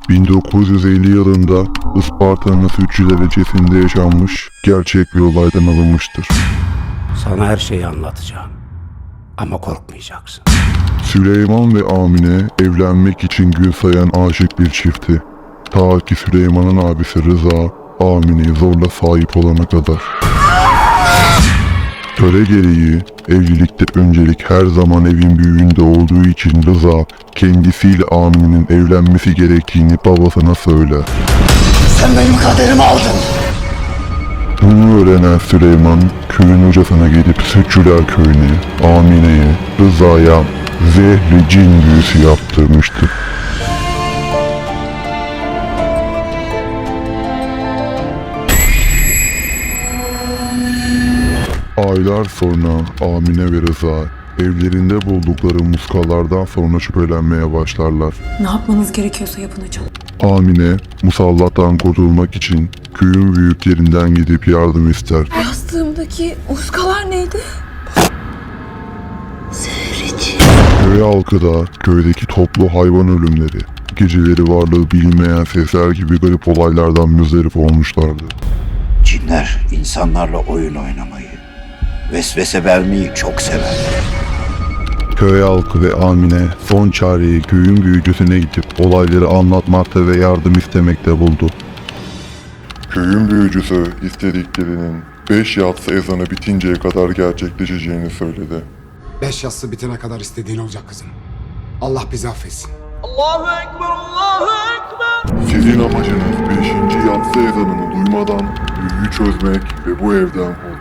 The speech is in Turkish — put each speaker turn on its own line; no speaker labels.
1950 yılında Isparta'nın Sütçü derecesinde yaşanmış gerçek bir olaydan alınmıştır.
Sana her şeyi anlatacağım. Ama korkmayacaksın.
Süleyman ve Amine evlenmek için gün sayan aşık bir çiftti. Ta ki Süleyman'ın abisi Rıza, Amine'ye zorla sahip olana kadar. Töre gereği evlilikte öncelik her zaman evin büyüğünde olduğu için Rıza kendisiyle Amine'nin evlenmesi gerektiğini babasına söyler.
Sen benim kaderimi aldın.
Bunu öğrenen Süleyman köyün hocasına gidip Sütçüler köyüne, Amine'ye, Rıza'ya zehri cin büyüsü yaptırmıştı. Aylar sonra Amine ve Rıza evlerinde buldukları muskalardan sonra şüphelenmeye başlarlar.
Ne yapmanız gerekiyorsa yapın hocam.
Amine musallattan kurtulmak için köyün büyüklerinden gidip yardım ister.
Yastığımdaki muskalar neydi?
Köy halkı da köydeki toplu hayvan ölümleri, geceleri varlığı bilinmeyen sesler gibi garip olaylardan müzdarip olmuşlardı.
Cinler insanlarla oyun oynamayı, vesvese vermeyi çok severler.
Köy halkı ve Amine son çareyi köyün büyücüsüne gidip olayları anlatmakta ve yardım istemekte buldu. Köyün büyücüsü istediklerinin 5 yatsı ezanı bitinceye kadar gerçekleşeceğini söyledi.
5 yassı bitene kadar istediğin olacak kızım. Allah bizi affetsin.
Allahu Ekber, Allahu Ekber.
Sizin amacınız 5. yatsı ezanını duymadan büyüyü çözmek ve bu evden